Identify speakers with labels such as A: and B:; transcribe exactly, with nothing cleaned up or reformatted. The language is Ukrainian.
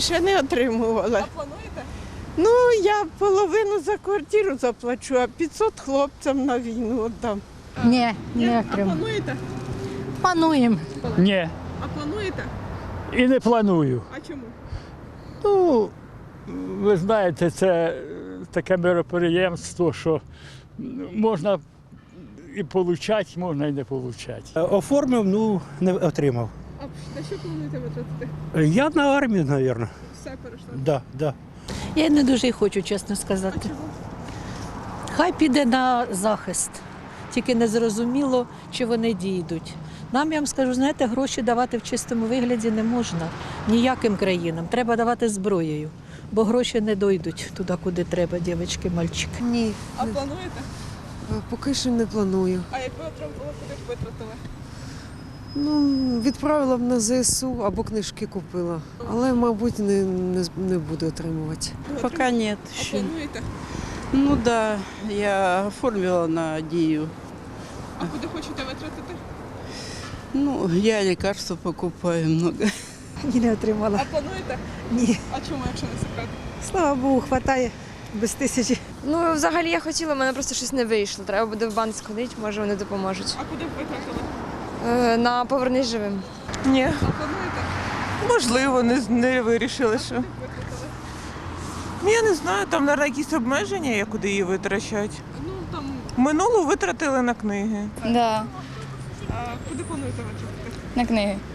A: ще не отримувала.
B: А плануєте?
A: Ну, я половину за квартиру заплачу, а п'ятсот хлопцям на війну віддам.
C: Ні,
B: Ні?
C: не
B: А
C: отримав.
B: плануєте?
C: Плануємо.
D: Ні,
B: А плануєте?
D: і не планую.
B: А чому?
D: Ну, ви знаєте, це таке мероприємство, що можна і отримати, можна і не отримати.
E: Оформив, ну не отримав.
B: А на що плануєте витратити?
E: Я на армію, мабуть.
B: Все перейшли.
E: Да, да.
C: Я не дуже й хочу, чесно сказати. Хай піде на захист. Тільки не зрозуміло, чи вони дійдуть. Нам, я вам скажу, знаєте, гроші давати в чистому вигляді не можна ніяким країнам. Треба давати зброєю, бо гроші не дійдуть туди, куди треба, дівчатки, мальчики.
F: Ні,
B: А
F: не-
B: плануєте?
F: поки що не планую.
B: А якби отримали, куди б витратили?
F: Ну, відправила б на ЗСУ або книжки купила. Але, мабуть, не, не, не буду отримувати.
G: Пока нет.
B: А
G: еще.
B: плануєте?
G: Ну да, я оформила на Дию.
B: А куди хочете витратити?
G: Ну, я лекарства покупаю много.
H: Ні, не отримала.
B: А плануєте?
H: Ні.
B: А чому, якщо не секрет?
H: Слава Богу, хватає без тисячі.
I: Ну, взагалі я хотіла, в мене просто щось не вийшло. Треба буде в банк сходити, може вони допоможуть.
B: А куди б витратили?
I: Е, на повернись живим.
J: Ні,
B: А плануєте?
J: можливо, не, не вирішили, що.
B: Куди б витратили?
J: Ну, я не знаю, там, мабуть, якісь обмеження, є, куди її витрачати.
B: Ну, там,
J: Минулу витратили на книги.
K: Да,
B: а куди плануєте витратити?
K: на книги.